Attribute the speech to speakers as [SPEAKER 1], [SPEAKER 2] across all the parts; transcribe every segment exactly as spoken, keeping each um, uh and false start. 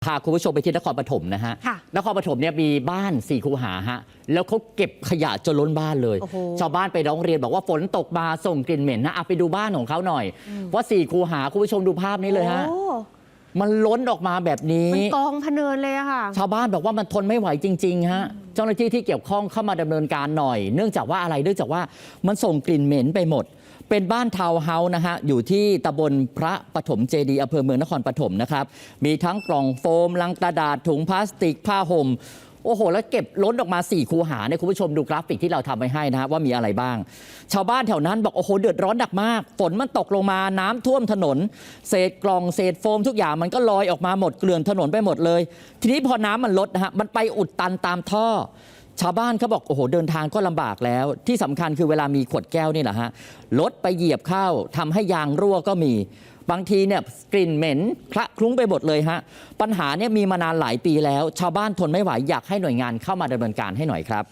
[SPEAKER 1] พาคุณผู้ชมไปที่นครปฐมนะฮะนครปฐมเนี่ยมีบ้านสี่คูหาฮะแล้วเขาเก็บขยะจนล้นบ้านเลยชาวบ้านไปร้องเรียนบอกว่าฝนตกมาส่งกลิ่นเหม็นนะเอาไปดูบ้านของเขาหน่อยว่าสี่คูหาคุณผู้ชมดูภาพนี้เลยฮะมันล้นออกมาแบบนี้
[SPEAKER 2] มันกองพะเนินเลยอะค่ะ
[SPEAKER 1] ชาวบ้านบอกว่ามันทนไม่ไหวจริงๆฮะเจ้าหน้าที่ที่เกี่ยวข้องเข้ามาดำเนินการหน่อยเนื่องจากว่าอะไรเนื่องจากว่ามันส่งกลิ่นเหม็นไปหมดเป็นบ้านทาวน์เฮาส์นะฮะอยู่ที่ตำบลพระปฐมเจดีย์อำเภอเมืองนครปฐมนะครับมีทั้งกล่องโฟมลังกระดาษถุงพลาสติกผ้าห่มโอ้โหแล้วเก็บล้นออกมาสี่คูหาเนี่ยคุณผู้ชมดูกราฟิกที่เราทำไว้ให้นะฮะว่ามีอะไรบ้างชาวบ้านแถวนั้นบอกโอ้โหเดือดร้อนหนักมากฝนมันตกลงมาน้ำท่วมถนนเศษกล่องเศษโฟมทุกอย่างมันก็ลอยออกมาหมดเกลื่อนถนนไปหมดเลยทีนี้พอน้ำมันลดนะฮะมันไปอุดตันตามท่อชาวบ้านเขาบอกโอ้โหเดินทางก็ลำบากแล้วที่สำคัญคือเวลามีขวดแก้วนี่แหละฮะรถไปเหยียบเข้าทำให้ยางรั่วก็มีบางทีเนี่ยกลิ่นเหม็นคละคลุ้งไปหมดเลยฮะปัญหาเนี่ยมีมานานหลายปีแล้วชาวบ้านทนไม่ไหวอยากให้หน่วยงานเข้ามาดำเนินการให้หน่อยครับ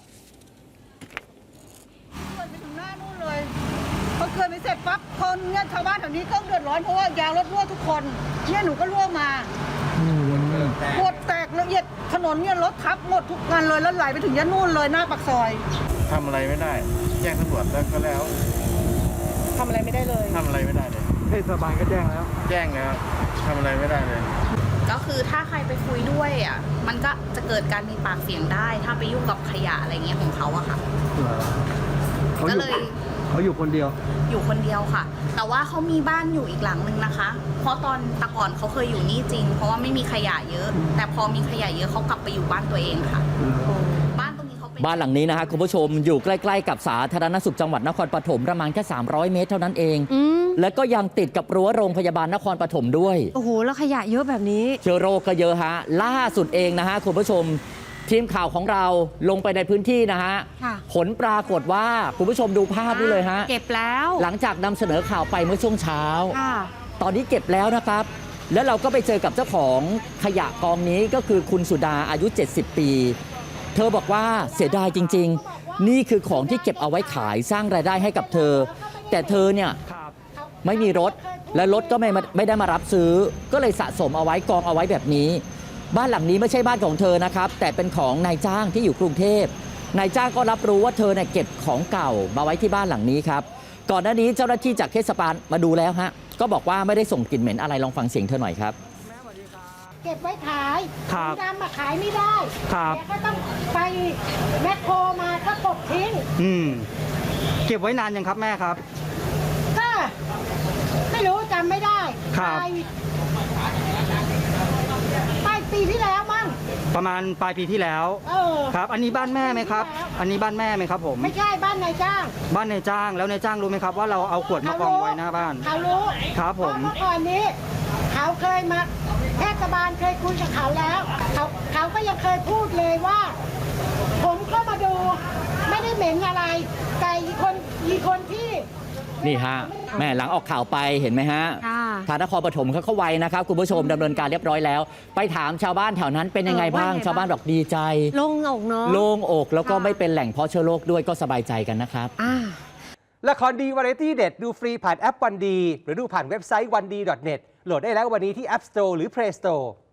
[SPEAKER 3] ไปถึงหน้านู่นเลยพอเกิดไปเสร็จปั๊บคนเนี่ยชาวบ้านแถวนี้ก็เดือดร้อนเพราะว่ายางรถรั่วทุกคนเนี่ยหนูก็รั่วมาปวดแตกละเอียดถนนเนี่ยรถทับหมดทุกงานเลยแล้วไหลไปถึงยันนู่นเลยหน้าปากซอย
[SPEAKER 4] ทำอะไรไม่ได้แจ้งตำรวจแล้วก็แล้ว
[SPEAKER 3] ทำอะไรไม่ได้เลย
[SPEAKER 4] ทำอะไรไม่ได้เลย
[SPEAKER 5] เทศบาลก็แจ้งแล้ว
[SPEAKER 4] แจ้งแล้วทำอะไรไม่ได้เลย
[SPEAKER 6] ก็คือถ้าใครไปคุยด้วยอ่ะมันก็จะเกิดการมีปากเสียงได้ถ้าไปยุ่งกับขยะอะไรเงี้ยของเขาอะค่ะก็เลย
[SPEAKER 5] เขาอยู่คนเดียว
[SPEAKER 6] อยู่คนเดียวค่ะแต่ว่าเขามีบ้านอยู่อีกหลังนึงนะคะ เพราะตอนตะก่อนเขาเคยอยู่นี่จริงเพราะว่าไม่มีขยะเยอะแต่พอมีขยะเยอะเขากลับไปอยู่บ้านตัวเองค่ะบ้านตรงนี้เขาเป็น
[SPEAKER 1] บ้านหลังนี้นะฮะคุณผู้ชมอยู่ใกล้ๆกับสาธารณสุขจังหวัดนครปฐมประมาณแค่สามร้อยเมตรเท่านั้นเองแล้วก็ยังติดกับรั้วโรงพยาบาลนครปฐมด้วย
[SPEAKER 2] โอ้โหแล้วขยะเยอะแบบนี้
[SPEAKER 1] เชื้อโรคก็เยอะฮะล่าสุดเองนะฮะคุณผู้ชมทีมข่าวของเราลงไปในพื้นที่นะฮะผลปรากฏว่าคุณผู้ชมดูภาพนี้เลยฮะ
[SPEAKER 2] เก็บแล้ว
[SPEAKER 1] หลังจากนำเสนอข่าวไปเมื่อช่วงเช้าตอนนี้เก็บแล้วนะครับแล้วเราก็ไปเจอกับเจ้าของขยะกองนี้ก็คือคุณสุดาอายุเจ็ดสิบปีเธอบอกว่าเสียดายจริงๆนี่คือของที่เก็บเอาไว้ขายสร้างรายได้ให้กับเธอแต่เธอเนี่ยไม่มีรถและรถก็ไม่ไม่ได้มารับซื้อก็เลยสะสมเอาไว้กองเอาไว้แบบนี้บ้านหลังนี้ไม่ใช่บ้านของเธอนะครับแต่เป็นของนายจ้างที่อยู่กรุงเทพนายจ้างก็รับรู้ว่าเธอเนี่ยเก็บของเก่ามาไว้ที่บ้านหลังนี้ครับก่อนหน้านี้เจ้าหน้าที่จากเทศบาลมาดูแล้วฮะก็บอกว่าไม่ได้ส่งกลิ่นเหม็นอะไรลองฟังเสียงเธอหน่อยครับ
[SPEAKER 7] เก็บไว้ขายนำมาขายไม่ได้แต่ก็ต้องไปแมคโครมาก็กบทิ้ง
[SPEAKER 5] อืมเก็บไว้นานยังครับแม่ครับ
[SPEAKER 7] ก็ไม่รู้จำไม่ได้
[SPEAKER 5] ครับ
[SPEAKER 7] ปลายปีที่แล้วมั้ง
[SPEAKER 5] ประมาณปลายปีที่แล้ว
[SPEAKER 7] เออ
[SPEAKER 5] ครับอันนี้บ้านแม่ไหมครับอันนี้บ้านแม่ไหมครับผม
[SPEAKER 7] ไม่ใช่บ้านนายจ้าง
[SPEAKER 5] บ้านนายจ้างแล้วนายจ้างรู้ไหมครับว่าเราเอาขวดมากองไว้หน้าบ้าน
[SPEAKER 7] เขารู้
[SPEAKER 5] ครับผม
[SPEAKER 7] เมื่อก่อนนี้เขาเคยมาเทศบาลเคยคุยกับเขาแล้วเขาเขาก็ยังเคยพูดเลยว่าผมก็มาดูไม่ได้เหม็นอะไรแต่อีกคนอีกคนที่
[SPEAKER 1] นี่ฮะแม่หลังออกข่าวไปเห็นไหมฮะทางนครปฐมเขาเข้าไวนะครับคุณผู้ชมดำเนินการเรียบร้อยแล้วไปถามชาวบ้านแถวนั้นเป็นยังไงบ้างชาวบ้านบอกดีใจ
[SPEAKER 2] โล่งอกเนาะ
[SPEAKER 1] โล่งอกแล้วก็ไม่เป็นแหล่งเพาะเชื้อโรคด้วยก็สบายใจกันนะครับ
[SPEAKER 8] ละครดีวาไรตี้เด็ดดูฟรีผ่านแอปวันดีหรือดูผ่านเว็บไซต์วันดี ดอท เน็ต โหลดได้แล้ววันนี้ที่ App Store หรือ Play Store